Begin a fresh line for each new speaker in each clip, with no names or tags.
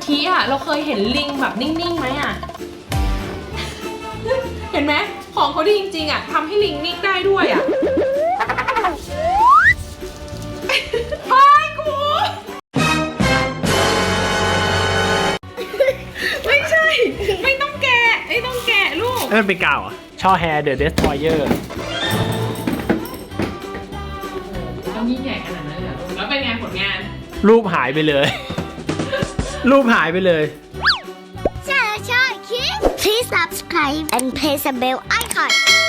ทีอ่ะเราเคยเห็นลิงแบบนิ่งๆไหมอ่ะ เห็นไหมของเขาดีจริงๆอ่ะทำให้ลิงนิ่งได้ด้วยอ่ะพายกูไม่ใช่ ไม่ต้องแกะไม่ต้องแกะลูก
นั่นเป็นกาวอ่ะช่อแฮร์เดอะเดสทรอยเออร์
ต้องยิ่งใหญ่ขนาดนั้นเลยเหรอแล้วเป็นไงผลงาน
รูปหายไปเลย รูปหายไปเลย
ใช่ใช่คิด Please subscribe and press the bell icon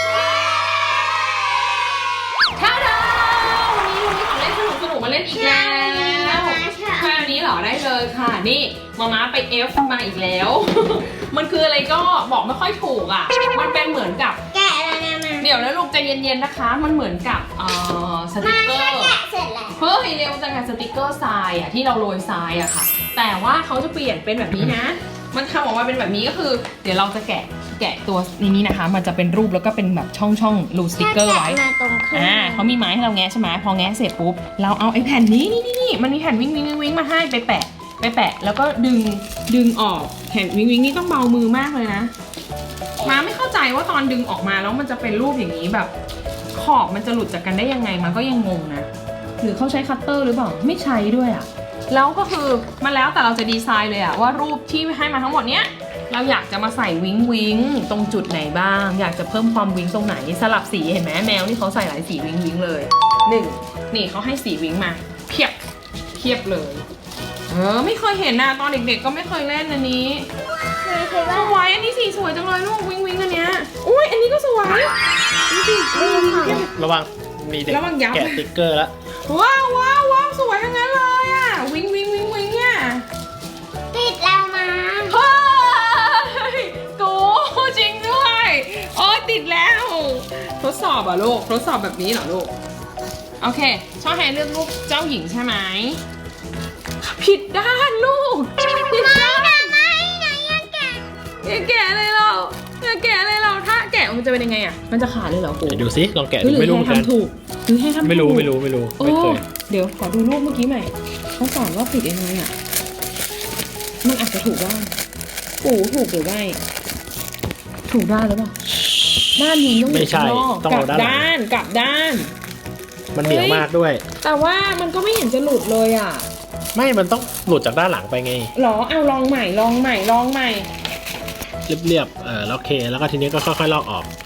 ท่าดาวันนี้เรามีของเล่นสนุกๆมาเล่นอีกแล้วใช่วันนี้เหรอได้เลยค่ะนี่มาไปเอฟมาอีกแล้ว มันคืออะไรก็บอกไม่ค่อยถูกอ่ะมันเป็นเหมือนกับ
แกะแล้วนะมา
เดี๋ยวนะลูกใจเย็นๆนะคะ มันเหมือนกับสติกเกอร์
แกะเสร็จแล้ว
เฮ้ยเร็วจังอะสติกเกอร์ทรายอะที่เราโรยทรายอะค่ะ แต่ว่าเขาจะเปลี่ยนเป็นแบบนี้นะ มันทำออกมาเป็นแบบนี้ก็คือ เดี๋ยวเราจะแกะตัวนี้นะคะ มันจะเป็นรูปแล้วก็เป็นแบบช่องรูสติกเกอร์ไว้
มาตรงขึ้น
เขามีไม้ให้เราแงะใช่ไหมพอแงะเสร็จปุ๊บเราเอาไอ้แผ่นนี้นี่มันมีแผ่นวิ่งมาให้ไปแปะแล้วก็ดึงออกแผ่นวิ่งนี่ต้องเบามือมากเลยนะมาไม่เข้าใจว่าตอนดึงออกมาแล้วมันจะเป็นรูปอย่างนี้แบบขอบมันจะหลุดจากกันได้ยังไงมันก็ยังงงนะหรือเขาใช้คัตเตอร์หรือเปล่าไม่ใช้ด้วยอะแล้วก็คือมันแล้วแต่เราจะดีไซน์เลยอะว่ารูปที่ให้มาทั้งหมดเนี้ยเราอยากจะมาใส่วิงตรงจุดไหนบ้างอยากจะเพิ่มความวิงตรงไหนสลับสีเห็นไหมแมวนี่เขาใส่หลายสีวิงเลยนี่เขาให้สีวิงมาเพียบเลยไม่เคยเห็นนะตอนเด็กๆก็ไม่เคยเล่นอันนี้
เคย
ส
ว่า
วยอันนี้สีสวยจังเลยลูกวิงอันเนี้ยอุ้ยอันนี้ก็สวยดูสิวิง
ระวังมีเด็ก
ระวังยับ
แกะสติ๊กเกอร์แล้ว
ว้าวสวยทั้งนั้นเลยอ่ะวิงเนี่ย
ติดแล้วมา
เฮ้ยกูจริงด้วยโอ้ติดแล้วทดสอบอ่ะลูกทดสอบแบบนี้เหรอลูกโอเคชอบให้เลือกรูปเจ้าหญิงใช่ไหมผิดด้านลูกผิดด้าน
ไม่นะยังแกะ
อย่าแกะเลยเราถ้าแกะมันจะเป็นยังไงอ่ะมันจะขาดเลยเหรอกู
เดี๋ยวดูสิลองแกะ
หรื
ดู
อ
ไม่รู้
ให้
เหมือนกัน
ทำถูกหรือให้ทำถูก
ไม่รู้
โอ้
ไม่เคย
เดี๋ยวขอดูรูปเมื่อกี้ใหม่เขาสอนว่าผิดยังไงอ่ะมันอาจจะถูกบ้างกูถูกหรือไม่ถูกด้านหรือเปล่าด้านนี้ต้อง
ไม่ใช่
ยู่ข้างนอก
ต้อง
กลั
เอาด้านหลัง
กลับด้าน
มันเหนียวมากด้วย
แต่ว่ามันก็ไม่เห็นจะหลุดเลยอ่ะ
ไม่มันต้องหลุดจากด้านหลังไปไง
หรอเอาลองใหม่
เรียบแล้วโอเคแล้วก็ทีนี้ก็ค่อยๆลอกออก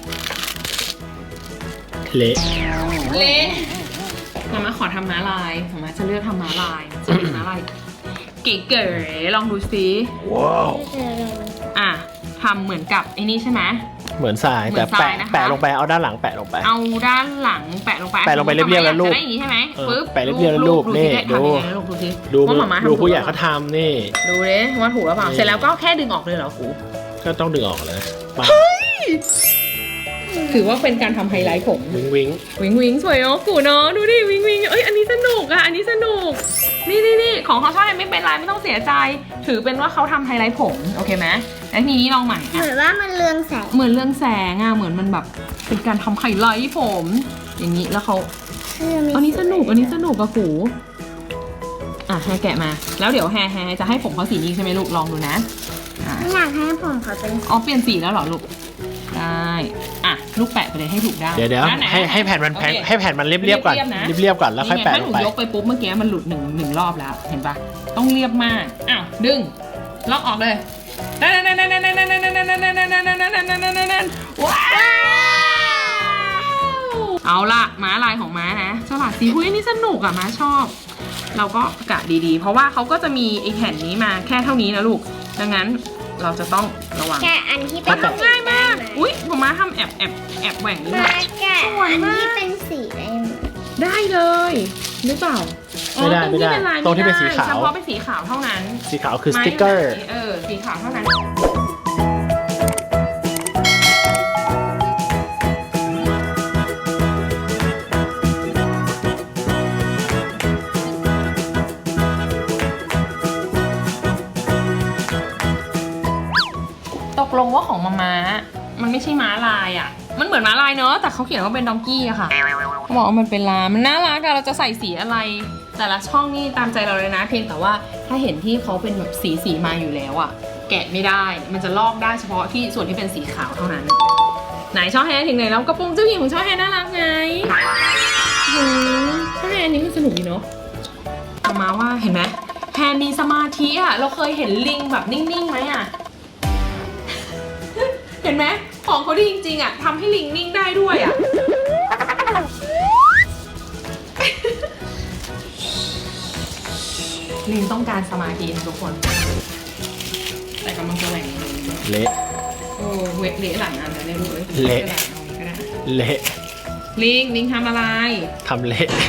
เละ
เละมาขอทำม้าลายมาจะเลือกทำม้าลายจะเป็นม้าลายเก๋ๆลองดูซิ
ว้าว
อ่ะทำเหมือนกับไอ้นี่ใช่ไหม
เหมือนทราย
เหมื
แต่
อนทรายนะคะ
แปะลงไปเอาด้านหลังแปะลงไป
เอาด้านหลังแปะลงไป
แปะลงไปเรียบๆแล้วรูป
จะได้อย่างนี้ใช่ไหม
เออ
ปึ๊บ
แปะเรียบๆแล้วรูปนี่
สิ
ดู
ทำยังไงลูกดูสิ
ดู
ว่าหมาม้าทำ
ดูผู้ใหญ่
ถูก
เขาทำนี่
ดูเลยว่าถูกหรือเปล่า
นี่
เสร็จแล้วก็แค่ดึงออกเลยเหรอครู
ก็ต้องดึงออกเลยมา
ถือว่าเป็นการทำไฮไลท์ผม
วิง
วิงสวยเนาะกูเนาะดูดิวิงเอ้ยอันนี้สนุกอ่ะอันนี้สนุกนี่ของเขาชอบไม่เป็นไรไม่ต้องเสียใจ ถือเป็นว่าเขาทำไฮไลท์ผมโอเคไหมแล้วทีนี้ลองใหม่
เห
อ่ะ
มือนว่ามันเรืองแสง
เหมือนเรื่องแสงอ่ะเหมือนมันแบบเป็นการทำไฮไลท์ผม อย่างนี้แล้วเขาอันนี้สนุกอะกูอ่ะแฮร์แกะมาแล้วเดี๋ยวแฮร์จะให้ผมเขาสีนี้ใช่ไหมลูกลองดูนะอ่ะ
ไม่อยากให้ผมเขาเป็น
อ๋อเปลี่ยนสีแล้วเหรอลูกได้อ่ะลูกแปะไปเลยให้ถูกด้าน
เดี๋ยว
ด้านไหน
ให้แผ่นมัน
โอเค
ให้แผ่นมันเรียบๆก่อน
เรียบๆนะ
เรียบๆก่อนแล้วค่อยแปะ
ถ้า
ล
หนู
งไป
ยกไปปุ๊บเมื่อกี้มันหลุดหนึ่งรอบแล้วเห็นปะต้องเรียบมากอ้าวดึงลอกออกเลยว้าวเอาล่ะม้าลายของม้านะฉลาดสีหุ้ยนี่สนุกอ่ะม้าชอบ เราก็กะดีๆ เพราะว่าเขาก็จะมีไอ้แผ่นนี้มาแค่เท่านี้นะลูกดังนั้นเราจะต้องระวัง
แกะอันที่เป็น
ง่ายมากอุ้ยผมม้าทำแอบแหว่งนี่
มาแกะ
สวย
อัน
มาก
ที่เป็นสีได้ไหม
ได้เลยหรือเปล่า
ไม่ได้ ตรงที่เป็นสีขาว
เฉพาะเป็นสีขาวเท่านั้น
สีขาวคือสติ๊กเกอร์
สีขาวเท่านั้น ตกลงว่าของม้ามันไม่ใช่ม้าลายอ่ะ มันเหมือนม้าลายเนอะแต่เขาเขียนว่าเป็นดองกี้อะค่ะเขาบอกว่ามันเป็นลามันน่ารักอะเราจะใส่สีอะไรแต่ละช่องนี่ตามใจเราเลยนะ เพียงแต่ว่าถ้าเห็นที่เขาเป็นแบบสีมาอยู่แล้วอะแกะไม่ได้ มันจะลอกได้เฉพาะที่ส่วนที่เป็นสีขาวเท่านั้น ไหนช่อแฮถึงไหนแล้วกระโปรงเจ้าหญิงของช่อแฮน่ารักไงช่อแฮอันนี้มันสนุกดีเนาะเอามาว่าเห็นไหมแฮมีสมาธิอะเราเคยเห็นลิงแบบนิ่งๆไหมอะ เห็นไหมของเขาดีจริงๆอะทำให้ลิงนิ่งได้ด้วยอะ ลิงต้องการสมาธินะทุกคน แต่กำลังจะแหว่งเลย
เละ
โอ้เวทเละหลังอันเลยลูก
เละ
ก็ได้
เละ
ลิงทำอะไร
ทำเละ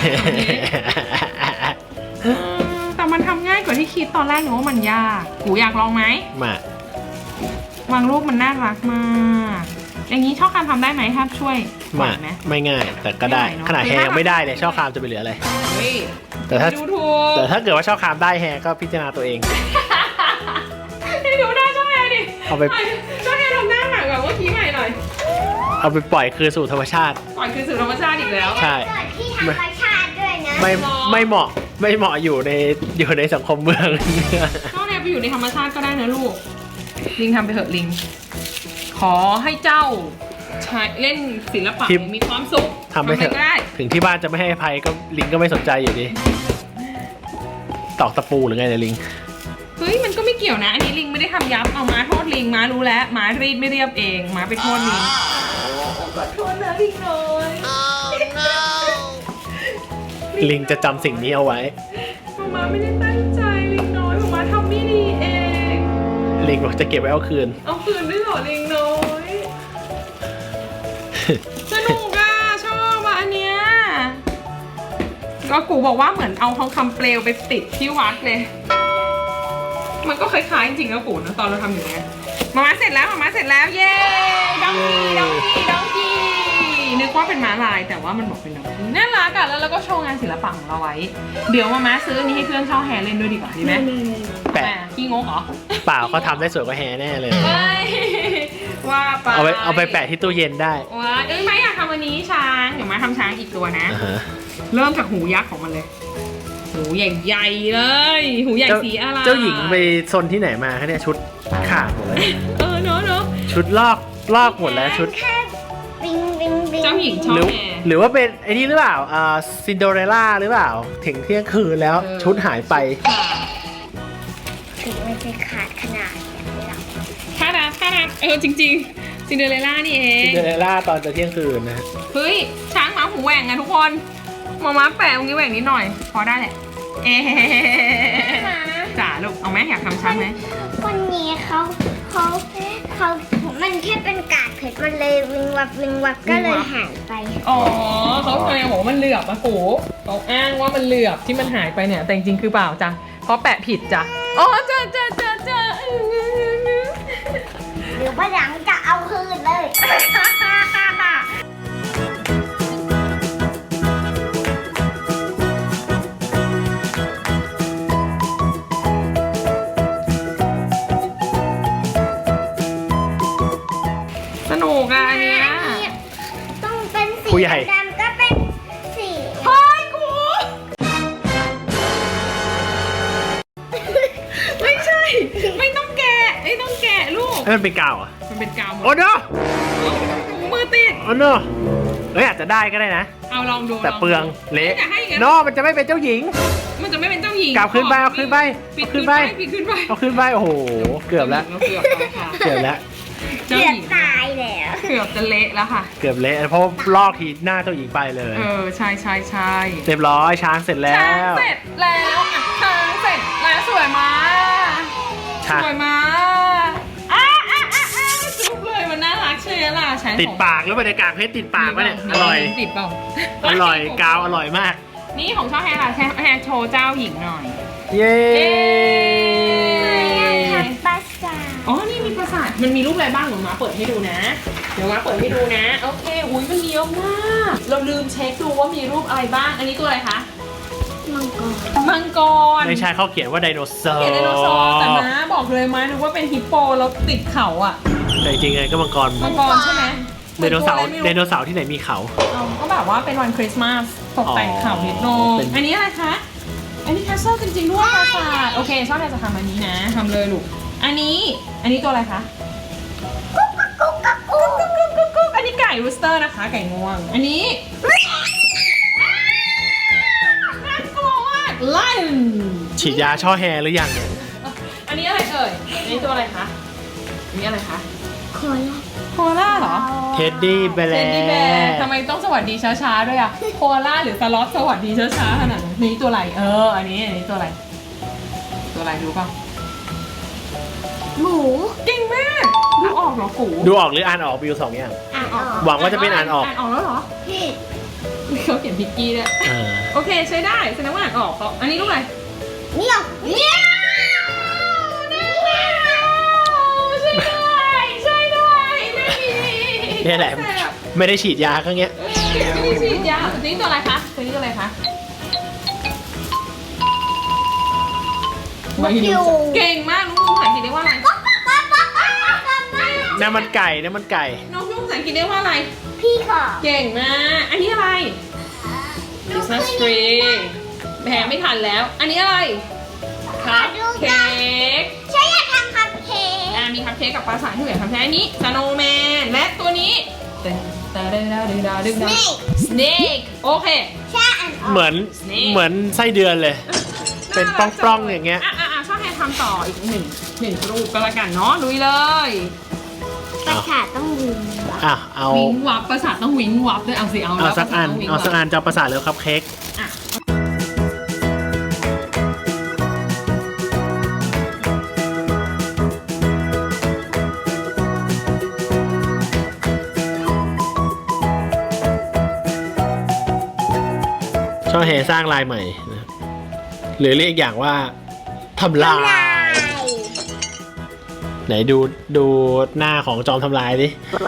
แต่มันทำง่ายกว่าที่คิดตอนแรกหนูว่ามันยากกูอยากลองไหม
มา
บางรูปมันน่ารักมากอย่างนี้ช่อคามทำได้ไหมถ้าช่วยส
มา
อนไหม
ไม่ง่าย แต่ก็ได้
ไม่ไหวเนอะ
ขนาดแฮยังไม่ได้เลยช่อคามจะไปเหลืออะไร
เฮ้ย
แต่ถ้า
ดูถูก
แต่ถ้าเกิดว่าช่อคามได้แฮก็พิจารณาตัวเอง
ให้ดูหน้าช่อแฮดิ
เอาไป
ช่อแฮทำหน้าหนักแบบเมื่อกี้ใหม่หน่อย
เอาไปปล่อยคืนสู่ธรรมชาติ
ปล่อยคืนสู่ธรรมชาติอีกแล้ว
ใช่
เกิดที่ธรรมชาติด้วยนะ
ไม่เหมาะอยู่ในสังคมเมือง
ช่อแฮไปอยู่ในธรรมชาติก็ได้นะลูก ลิงทำไปเถอะลิง ขอให้เจ้าใช้เล่นศิลปะ
ทิป
มีความสุข
ทำไปเถอะ
ก็ได้
ถึงที่บ้านจะไม่ให้อภัยก็ลิงก็ไม่สนใจอยู่ดีตอกตะปูหรือไงเนี่ยลิง
เฮ้ยมันก็ไม่เกี่ยวนะ อันนี้ลิงไม่ได้ทำยับเอาม้าโทษลิงม้ารู้แล้วม้ารีดไม่เรียบเองม้าไปโทษลิงขอโทษนะลิงน้อย
ลิงจะจำสิ่งนี้เอาไว้
ม้าไม่ได้ตั้งใจลิงน้อยม้าทำไม่ดีเอง
ลิงบอกจะเก็บไว้เอาคืน
เอาคืนด้วยเหรอลิงน้อย สนุกอ่ะชอบอ่ะอันเนี้ยก็กูบอกว่าเหมือนเอาทองคำเปลวไปติดที่วัดเลย มันก็คล้ายๆจริงๆนะกูนะตอนเราทำอย่างเงี้ยมาเสร็จแล้วมาเสร็จแล้วเย้ดองกี้นึกว่าเป็นม้าลายแต่ว่ามันบอกเป็นดองกี้น่ารักอ่ะแล้วเราก็โชว์งานศิลปะของเราไว้ เดี๋ยวมาซื้ออันนี้ให้เพื่อนช่อแฮเล่นด้วยดีกว่าดีไหม
แปะ
ขี้งกเหรอ
เปล่าเขาทำได้สวยกว่าแฮแน่เลย
เฮ้ยว่าไป
เอาไปแปะที่ตู้เย็นได้
ว้าไม่อยากทำอันนี้ช้างเดี๋ยวมาทำช้างอีกตัวนะ
อ่าฮะ
เริ่มจากหูยักษ์ของมันเลย หูใหญ่ๆเลย หูใหญ่สีอะไร
เจ้าหญิงไปซนที่ไหนมาคะเนี่ยชุดขาดหมดเลย
เนอะ
ชุดลอกหมดแล้วชุด
แค่บิงบิงบิง
เจ้าหญิงชอ
ห
บ
รือ
แอร์
หรือว่าเป็นไอ้นี่หรือเปล่าซินโดเรลล่าหรือเปล่า ถึงเที่ยงคืนแล้ว
เออ
ชุดหายไป
ถึงมันจะขาดขนาดนี้หรอ
ท่ารักจริงๆซินเดอเรลล่านี่เอ
ซิ
ง
นโดเรลล่าตอนจะเที่ยงคืนนะ
เฮ้ยช้างหมาหูแหว่งอะทุกคนมาแปะตรงนี้แหว่งนิดหน่อย พอได้แหละ เอ๊จ๋าลูกเอาไหมอยากทำช้างไหม
คนนี้เขามันแค่เป็นกากเพชรมันเลยวิงวับก็เลยหายไป
อ๋อเขาเคยบอกว่ามันเหลือบอะกูเขาอ้างว่ามันเหลือบที่มันหายไปเนี่ยแต่จริงๆคือเปล่าจ้ะเพราะแปะผิดจ้ะอ๋อจ้ะ
หรือว่าหลังจะเอาคืนเลย
สนุกอะอันเนี้ย
ต้องเป็นสี
ผู้ใหญ่
ดำก็เป็นสี
เฮ้ยกูไม่ใช่ ไม่ต้องแกะลูก
ให้มันเป็นกาวเหรอ่ะ
มันเป็นกาวหมด
โอ้โน
มือติด
โอ้โนเฮ้ยอาจจะได้ก็ได้นะ
เอาลองดู
แต่เปลืองเละ
อย่าให้อย่างนั้น
โนมันจะไม่เป็นเจ้าหญิง
มันจะไม่เป็นเจ้าหญิง
กลับขึ้นไปเอาขึ้นไป
ปิด
เอาขึ้
ขึ้น
น
ไป
ไป
ปิดขึ้นไป
เอาขึ้นไปโอ้โหเกือบแล้ว
เกือบแล้วค่ะ
เกือบแล้ว
เจ้า
เกือ
ห
บ
ญิง
ตายแล้ว
เกือบจะเละแล้วค่ะ
เกือบเละเพราะลอกทีหน้าเจ้าหญิงไปเลย
ใช่
เรียบร้อยช้างเสร็จแล้
ช้าง
ว
เสร็จแล้วอ่ะช้างเสร็จแล้วสวยมาก
ช้าง
สวยมากจุ๊บเลยมันน่ารักใช่ไหมล่ะใช้
ติดปากแล้วบรรยากาศเพชรติดปากปะเนี่ยอร่อย
ติดเปล่า
อร่อยกาวอร่อยมาก
นี่ของช่อแฮร์ค่ะแฮร์โชว์เจ้าหญิงหน่อย
เย้
ทำปลาสา
อ๋อ นี่มีปราสาทมันมีรูปอะไรบ้างเดี๋ยวมาเปิดให้ดูนะ เดี๋ยวมาเปิดให้ดูนะ โอเค อุ้ยมันมีเยอะมาก เราลืมเช็คดูว่ามีรูปอะไรบ้าง อันนี้ตัวอะไรคะ
มังกร
มังกร
ไม่ใช่เขาเขียนว่าไดโนเสาร์
เขียนไดโนเสาร์แต่ม้าบอกเลยม้านึกว่าเป็นฮิปโปแล้วติดเขาอ่ะ
แต่จริงๆไงก็มังกร
มังกรใช่ไหม
ไดโนเสาร์
หมือ
ได
ตัวอะ
โน
ไม่รู้
เสาร์ที่ไหนมีเขา
เอาก็แบบว่าเป็นวันคริสต์มาสตกแต่งเขานิดนึ
อ๋
ง
อเป็น
อันนี้อะไรคะอันนี้แคสเซิลจริงๆด้วยปราสาทโอเคชอบแทนจะทำอันนี้นะทำเลยลูกอันนี้ตัวอะไรคะกุ๊กอันนี้ไก่รูสเตอร์นะคะไก่งวงอันนี้น่ากลัวมากไลออน
ฉีดยาช่อแฮหรือยังเนี่ย
อันนี้อะไรเอ่ยอันนี้ตัวอะไรคะอันนี้อะไรคะ
โคลา
โคอาล่าเหรอ
เท็ดดี้แบ
เซนดี้แบ
ร์
ร์ทำไมต้องสวัสดีช้าๆด้วยอะโคอาล่าหรือสล็อตสวัสดีช้าๆขนาดนั้นนี่ตัวอะไรอันนี้ตัวอะไรรู้ป่ะ
หมู
เก่งมากดูออกเหรอกู
ดูออกหรืออ่านออกวิว2อย่าง
อ่านออก
หวังว่าจะเป็นอ่านออก
อ่านออกแล้วเหรอ
ผิด
เขาเขียนพิกกี้ด้วย
เออ
โอเคใช้ได้แสดงว่าอ่านออกอันนี้ลูกอะไร
เนี่ย
ใช่ด้วยไม่มี
นี่แหละไม่ได้ฉีดยาครั้งเนี้ย
ไม่ได้ฉีดยาตัวนี้ตัวอะไรคะตัวนี้ตัวอะไรคะเก่งมากน้องนุ่งภาษาอังกฤษเรียกว่าอะไร
น้ำมันไก่น้ำมันไก่
น้องนุ่งภาษาอังกฤษเรียกว่าอะไร
พี่ค่ะ
เก่งมากอันนี้อะไร Christmas tree แพ้ไม่ทันแล้ว อันนี้อะไรคัพเค้ก
ใช่อยากทำคัพเค้ก
มีคัพเค้กกับปลาสายที่เหลือคัพเค้กอันนี้สโนว์แมนและตัวนี้snake โอเค
ใช่อ่านออก
เหมือนไส้เดือนเลย เป็นปล้องๆอย่างเงี้ย
ชอบให้ทำต่ออีกหนึ่งรูปก็แล้วกันเนาะลุยเลย
ประสาทต้องวิง
อ่ะเอา
วิงวับประสาทต้องวิงวับด้วยเอาสิเอา
เอาสักอัน
แล้ว
เอาสักอันจะเอาประสาทเร็วครับเค้ก
อ่ะ
ช่อแฮสร้างลายใหม่นะครับหรือเรียกอีกอย่างว่าทำลาย ไหนดูหน้าของจอมทำลายดิ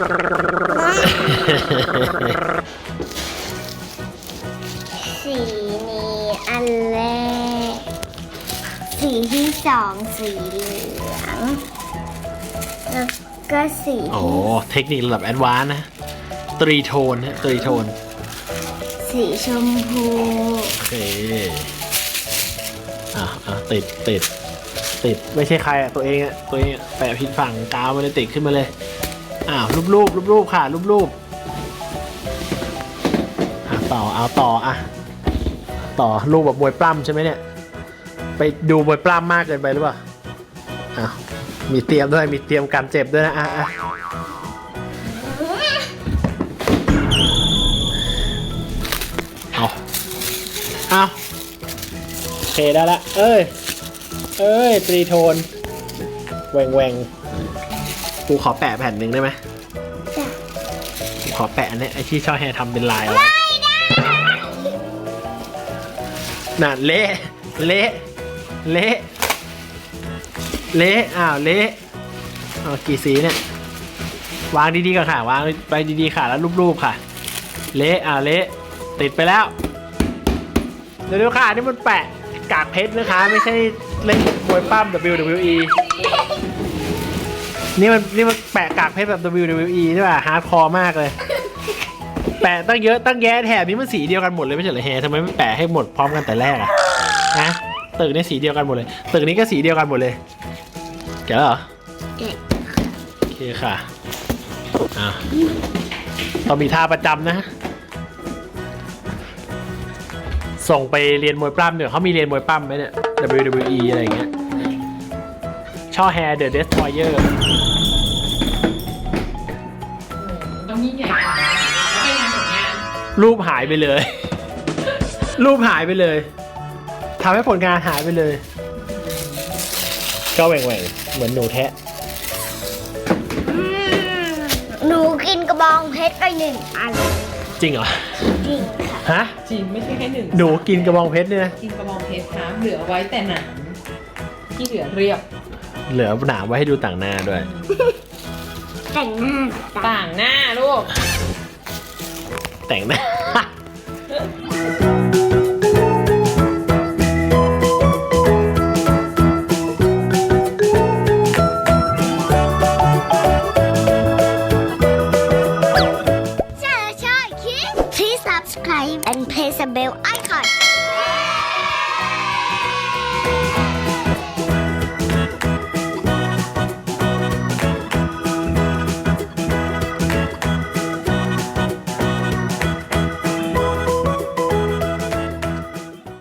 สีนี้อันแรกสีที่สองสีเหลืองแล้วก็สี
โอ้เทคนิคระดับแอดวานซ์นะตรีโทนนะตรีโทน
สีชมพู
โอเคติดไม่ใช่ใครตัวเองแปะผิดฝั่งกาวมันเลยติดขึ้นมาเลยรูปค่ะรูปต่อรูปแบบมวยปล้ำใช่ไหมเนี่ยไปดูมวยปล้ำมากเกินไปหรือเปล่ามีเตรียมด้วยมีเตรียมการเจ็บด้วยนะเอาโอเคได้ละเอ้ยตรีโทนแหวงกูขอแปะแผ่นหนึ่งได้ไหมกูขอแปะอันนี้ไอที่ช่อแฮทำเป็นลายอะไรน่ะเละเละกี่สีเนี่ยวางดีๆก่อนค่ะวางไปดีๆค่ะแล้วรูปๆค่ะเละติดไปแล้วเดี๋ยวค่ะนี่มันแปะกากเพชรนะคะไม่ใช่เล่นมวยปั้ม WWE นี่มันแปะกากเพชรแบบ WWE ใช่ป่ะฮาร์ดคอร์มากเลยแปะตั้งเยอะตั้งแยะแถบนี้มันสีเดียวกันหมดเลยไม่ใช่เหรอแฮทำไมไม่แปะให้หมดพร้อมกันแต่แรกอะนะตึกนี้สีเดียวกันหมดเลยตึกนี้ก็สีเดียวกันหมดเลยแกะแล้วเหรอโอเคค่ะต้องมีท่าประจำนะส่งไปเรียนมวยปล้ำเดี๋ยวเขามีเรียนมวยปล้ำไหมเนี่ย WWE อะไรอย่างเงี้ยช่อแฮร์เดอะเดสทรอยเออร์
ต้องยิ่งใหญ่แล้วเป็นงานผลงาน
รูปหายไปเลย รูปหายไปเลยทำให้ผลงานหายไปเลย ก็แหว่งๆเหมือนหนูแทะ
หนูกินกระบองเพชรไปหนึ่งอัน
จริงเหรอ
จริงค่ะ
ฮะ
จริงไม่ใช่แค่หนึ่ง
หนูกินกระบองเพชรเนี่ยนะ
กินกระบองเพชรครับเหลือไว้แต่หนังที่เหลือเรียบ
เหลือหนามไว้ให้ดูต่างหน้าด้วย
แต่งหน้า
ต่างหน้าลูก
แต่งหน้า